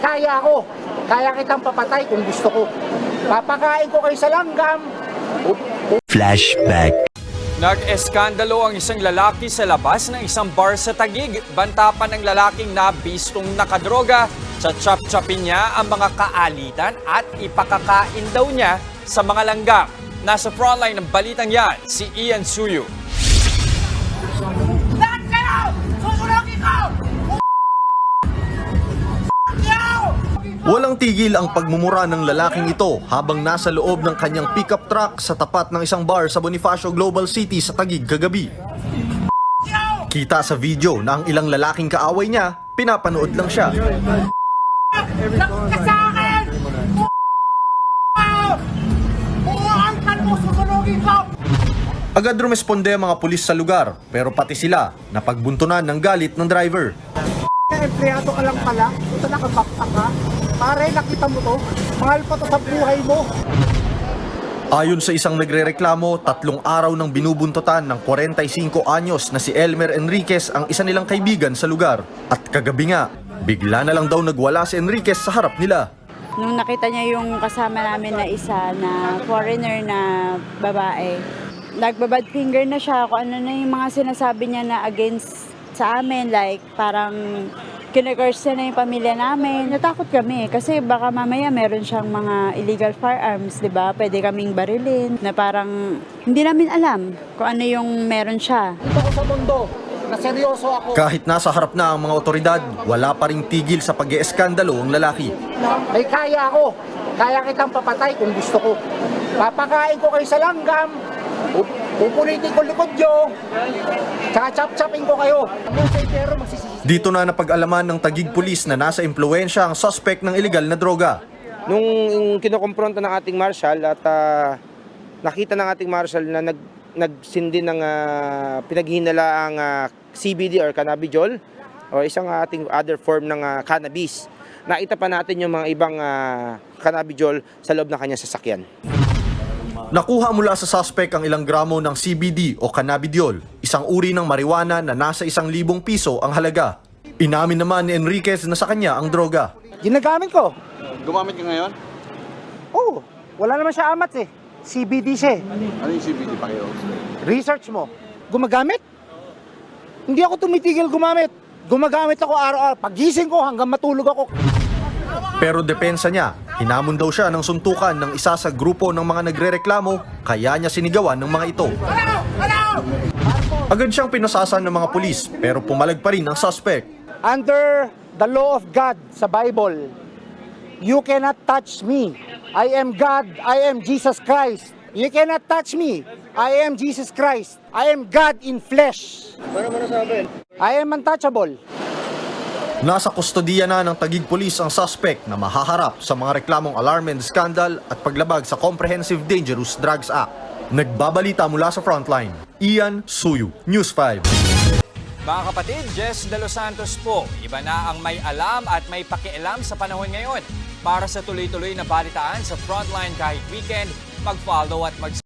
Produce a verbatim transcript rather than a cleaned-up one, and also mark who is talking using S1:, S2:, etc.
S1: Kaya ko. Kaya kitang papatay kung gusto ko. Papakain ko kayo sa langgam.
S2: Flashback.
S3: Nag-eskandalo ang isang lalaki sa labas ng isang bar sa Taguig. Banta pa ng lalaking nabistong nakadroga. Chachap-chapin niya ang mga kaalitan at ipakakain daw niya sa mga langgam. Nasa frontline ng balitang yan, si Ian Suyu.
S4: Lahat kayo! Susunogin ko!
S5: Walang tigil ang pagmumura ng lalaking ito habang nasa loob ng kanyang pickup truck sa tapat ng isang bar sa Bonifacio Global City sa Taguig kagabi. Kita sa video na ang ilang lalaking kaaway niya, pinapanood lang siya.
S4: Lakot ka sa akin! Buhaan ka mo! Susunogin ko!
S5: Agad rumesponde ang mga pulis sa lugar pero pati sila napagbuntunan ng galit ng driver.
S1: Empleyado ka lang pala. Ito nakabakta ka. Pare, nakita mo to. Mahal pa to sa buhay mo.
S5: Ayon sa isang nagrereklamo, tatlong araw nang binubuntutan ng forty-five anyos na si Elmer Enriquez ang isa nilang kaibigan sa lugar. At kagabi nga, bigla na lang daw nagwala si Enriquez sa harap nila.
S6: Nung nakita niya yung kasama namin na isa na foreigner na babae, nagbabad finger na siya kung ano na yung mga sinasabi niya na against sa amin, like parang kine-curse na yung pamilya namin. Natakot kami kasi baka mamaya meron siyang mga illegal firearms, di ba? Pwede kaming barilin na parang hindi namin alam kung ano yung meron siya.
S1: Dito ko sa mundo na seryoso ako.
S5: Kahit nasa harap na ang mga otoridad, wala pa ring tigil sa pag-ieskandalo ang lalaki.
S1: May kaya ko. Kaya kitang papatay kung gusto ko. Papakain ko kayo sa langgam. Pupunitin ko likod nyo. Chachap-chapin ko kayo. Pero magsisisi.
S5: Dito na napag-alaman ng Taguig Police na nasa impluensya ang suspect ng illegal na droga.
S7: Nung kinokompronta ng ating marshal at uh, nakita ng ating marshal na nag, nagsindi ng uh, pinaghinalaang uh, C B D or cannabidiol o isang uh, ating other form ng uh, cannabis, nakita pa natin yung mga ibang uh, cannabidiol sa loob ng kanyang sasakyan.
S5: Nakuha mula sa suspect ang ilang gramo ng C B D o cannabidiol, isang uri ng marijuana na nasa isang libong piso ang halaga. Inamin naman ni Enriquez na sa kanya ang droga.
S1: Ginagamit ko.
S8: Gumamit ka ngayon?
S1: Oo. Wala naman siya amat eh. C B D siya eh.
S8: Ano yung C B D pa kayo?
S1: Research mo. Gumagamit? Hindi ako tumitigil gumamit. Gumagamit ako araw-araw. Pagising ko hanggang matulog ako.
S5: Pero depensa niya, hinamon daw siya ng suntukan ng isa sa grupo ng mga nagrereklamo, kaya niya sinigawan ng mga ito. Agad siyang pinasasan ng mga pulis, pero pumalag pa rin ang suspect.
S1: Under the law of God sa Bible, you cannot touch me. I am God. I am Jesus Christ. You cannot touch me. I am Jesus Christ. I am God in flesh. I am untouchable.
S5: Nasa kustodiya na ng Taguig Police ang suspect na mahaharap sa mga reklamong alarm and scandal at paglabag sa Comprehensive Dangerous Drugs Act. Nagbabalita mula sa frontline, Ian Suyu, News five.
S3: Mga kapatid, Jess De Los Santos po. Iba na ang may alam at may pakialam sa panahon ngayon. Para sa tuloy-tuloy na balitaan sa frontline kahit weekend, mag-follow at mag